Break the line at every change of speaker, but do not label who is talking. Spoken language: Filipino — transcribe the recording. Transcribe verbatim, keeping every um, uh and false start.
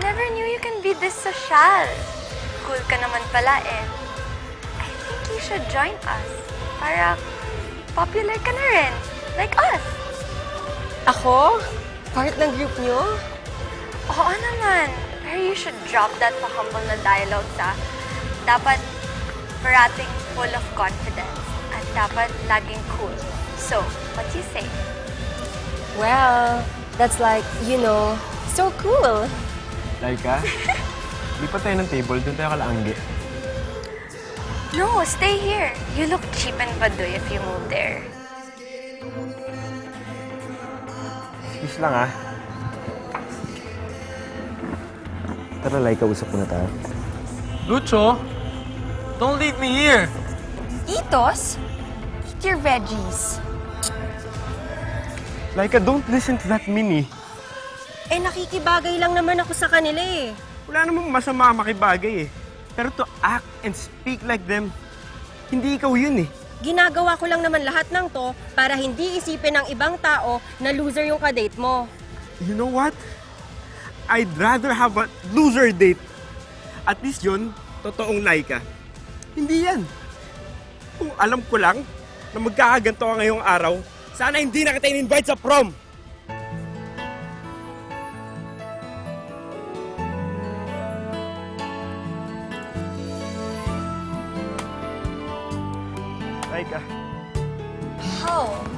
never knew you can be this social. Cool ka naman pala eh. I think you should join us. Para popular ka na rin. Like us.
Ako? Part ng group nyo?
Oo naman. Pero you should drop that pa-humble na dialogue sa dapat parating full of confidence at dapat laging cool. So, what do you say?
Well, that's like, you know, so cool.
Laika, lipat tayo ng table. Doon tayo kalaanggi.
No, stay here. You look cheap and baduy if you move there.
Excuse lang ah. Tara, Laika, usap muna tayo.
Lucho, don't leave me here.
Itos? Eat your veggies.
Laika, don't listen to that Minnie.
Eh, nakikibagay lang naman ako sa kanila eh.
Wala namang masama makibagay eh. Pero to act and speak like them, hindi ikaw yun eh.
Ginagawa ko lang naman lahat ng to para hindi isipin ng ibang tao na loser yung kadate mo.
You know what? I'd rather have a loser date. At least yun, totoong Laika. Hindi yan. Kung alam ko lang na magkakaganto ka ngayong araw, sana hindi na kita in-invite sa prom. Laika.
How?